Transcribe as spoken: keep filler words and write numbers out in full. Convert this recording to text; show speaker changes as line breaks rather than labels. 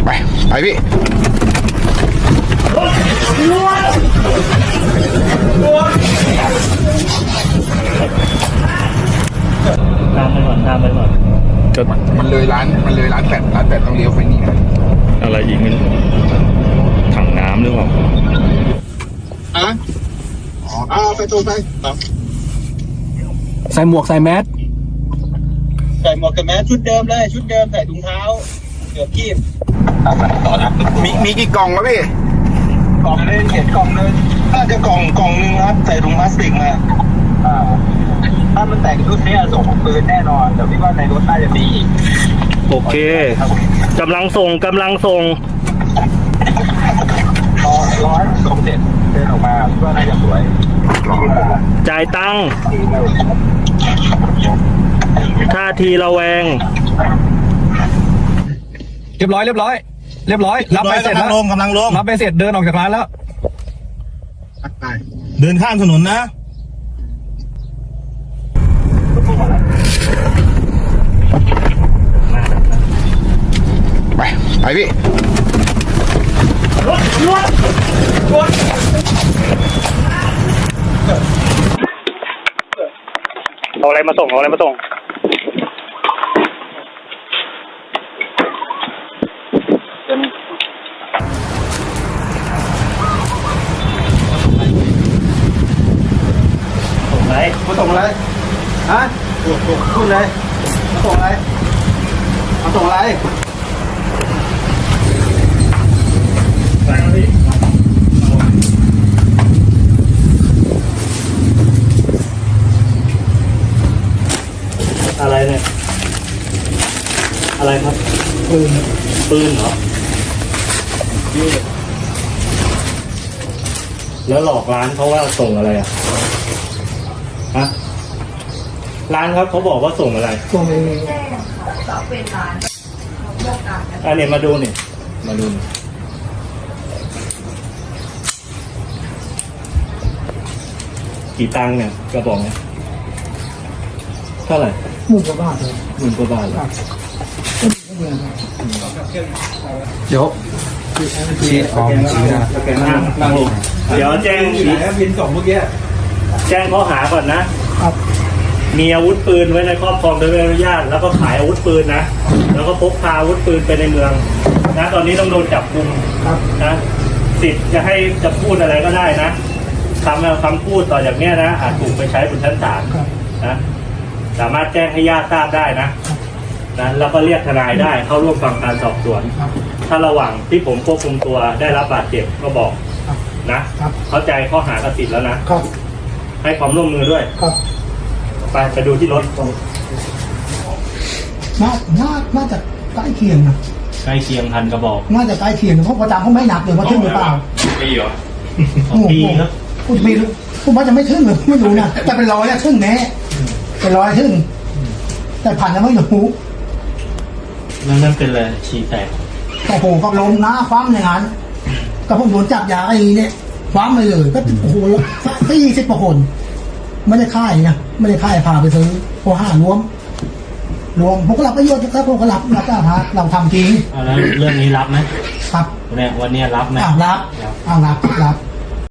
ไปไปพี่
ตามไปก่อนตามไปก่อน
ก็มันเลยร้านมันเลยร้านแปดร้านแปดต้องเลี้ยวไปนี่นะ
อะไรอีกไม่รู้ถังน้ำหรือเปล่า
อ่ะอ๋ออ่าไปตรงไป
ใส่หมวกใส่แมส
ใส่หมวกกับแมสชุดเดิมเลยชุดเดิมใส่ถุงเท้าเกือบคีบต่อนะ
มีมีกี่กล่องวะพี่
กล่องนึงเห็นกล่องนึงน่าจะกล่องกล่องนึงครับใส่ถุงพลาสติกมาอ่าถ้ามันแต่งชุดนี้ส่งปืนแน่นอนแต่พี่ว่าในรถน่าจะมีอีก
โอเคกำลังส่งกำลังส่ง
รอร้อยส่งเสร็จเดินออกมาพี่ว่าน่าจะสวย
จ่ายตังค์ท่าทีระแวง
เรียบร้อยเรียบร้อยเรียบร้อยรับไปเสร็จแล้ว
ลงกำลังลง
รับไปเสร็จเดินออกจากร้านแล้ว
เดินข้ามถนนนะ
ไปไปพี่
เอาอะไรมาส่งเอาอะไรมาส่ง
ส่งไหนมาส่งอะไรฮะพูดเลยมาส่งอะไรมาส่งอะไร
อะไรเนี่ยอะไรครับปืนปืนเหรอแล้วหลอกร้านเขาว่าส่งอะไรอ่ะฮะร้านครับเขาบอกว่าส่งอะไรส่งเองเราเป็นร้านอันนี้มาดูนี่มาดูนี่กี่ตังค์เนี่ยกระบอกเนี่ยเท่าไหร่
หมื่นกว่าบาทเลย
หมื่นกว่าบาทเหรอ
เดี๋ยวชี้ออมชี้นะ
นั่งลงเดี๋ยวแจ้ง
พินสองเมื่อกี้
แจ้งข้อหาก่อนนะครับมีอาวุธปืนไว้ในครอบครองโดยไม่อนุญาตแล้วก็ขายอาวุธปืนนะแล้วก็พกพาอาวุธปืนไปในเมืองนะตอนนี้ต้องโดนจับกุมนะสิทธิ์จะให้จะพูดอะไรก็ได้นะคำคำพูดต่อจากเนี้ยนะอาจถูกไปใช้บนชั้นศาลนะสามารถแจ้งให้ญาติทราบได้นะนะแล้วก็เรียกทนายได้เข้าร่วมฟังการสอบสวนถ้าระหว่างที่ผมควบคุมตัวได้รับบาดเจ็บก็บอกนะเข้าใจข้อหากระสิทธิ์แล้วนะให้ความร่วมมือด้วยไปไปดูที่รถ
น่าน่าน่าจะใกล้เคียงนะ
ใกล้เคียงพันกระบอก
น่าจะใกล้เคียงเพราะประจำเขาไม่หนักเลยว่าทึ่งหรือเปล่า
ปีเหรอ
ปีครับพูดปีผมว่าจะไม่ทึ่งหรือไม่รู้นะแต่เป็นร้อยอะทึ่งแน่เป็นร้อยทึ่งแต่ผ่านยังไม่รู้
นั่นนั่นเป็นอะไรฉีแตก
โอ้โหก็ล้มหน้าคว่ำอย่างนั้นก็ผมโดนจับยาไอ้เนี่ยคว่ำไปเลยก็โอ้โหสี่สิบกว่าคนไม่ได้ค่ายนะไม่ได้ค่ายพาไปซื้อโอห้ารวมรวมผมก็รับประโยชน์ครับผมก็รับรับจ้าพาเราทำจริง
แล้วเรื่องนี้รับไหม
ครับ
เนี่ยวันนี้รับไหม
อ้าวรับอ้าวรับรับ